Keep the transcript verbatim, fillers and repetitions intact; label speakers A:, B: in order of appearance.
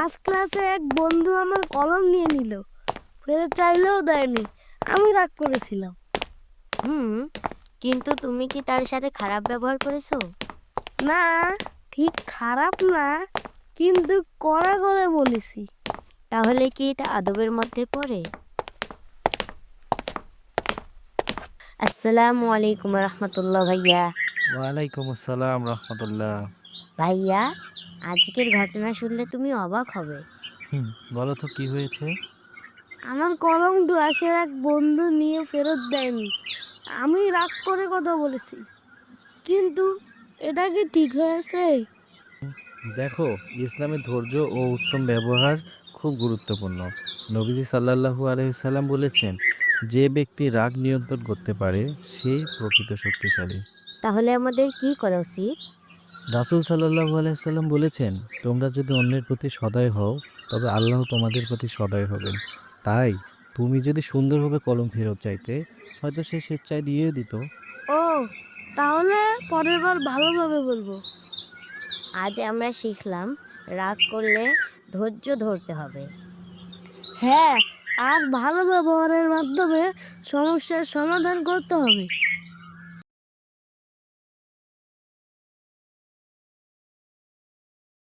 A: আজ ক্লাসে এক বন্ধু আমার কলম নিয়ে নিল, ফেরত চাইলেও দেয়নি। আমি রাগ করেছিলাম।
B: হুম, কিন্তু তুমি কি তার সাথে খারাপ ব্যবহার করেছো?
A: না, ঠিক খারাপ না, কিন্তু কড়া করে বলেছি।
B: তাহলে কি এটা আদবের মধ্যে পড়ে? আসসালামু আলাইকুম রহমতুল্লাহ ভাইয়া।
C: ওয়ালাইকুম আসসালাম রহমতুল্লাহ।
B: ভাইয়া, আজকের ঘটনা শুনলে তুমি অবাক হবে।
C: হুম, বলো তো কি হয়েছে?
A: আমার কলম ক্লাসের এক বন্ধু নিয়ে ফেরত দেয়নি। আমি রাগ করে কথা বলেছি, কিন্তু এটা কি ঠিক হয়েছে?
C: দেখো, ইসলামে ধৈর্য ও উত্তম ব্যবহার খুব গুরুত্বপূর্ণ। নবীজি সাল্লাল্লাহু আলাইহি সাল্লাম বলেছেন, যে ব্যক্তি রাগ নিয়ন্ত্রণ করতে পারে সেই প্রকৃত শক্তিশালী।
B: তাহলে আমাদের কি করা উচিত?
C: রাসূল সাল্লাল্লাহু আলাইহি সাল্লাম বলেছেন, তোমরা যদি অন্যের প্রতি সদয় হও তবে আল্লাহ তোমাদের প্রতি সদয় হবেন। তাই তুমি যদি সুন্দরভাবে কলম ফেরত চাইতে, হয়তো সে স্বেচ্ছায় দিয়ে দিত।
A: ও, তাহলে পরের বার ভালোভাবে বলবো।
B: আজ আমরা শিখলাম রাগ করলে ধৈর্য ধরতে হবে।
A: হ্যাঁ, আর ভালো ব্যবহারের মাধ্যমে সমস্যার সমাধান করতে হবে।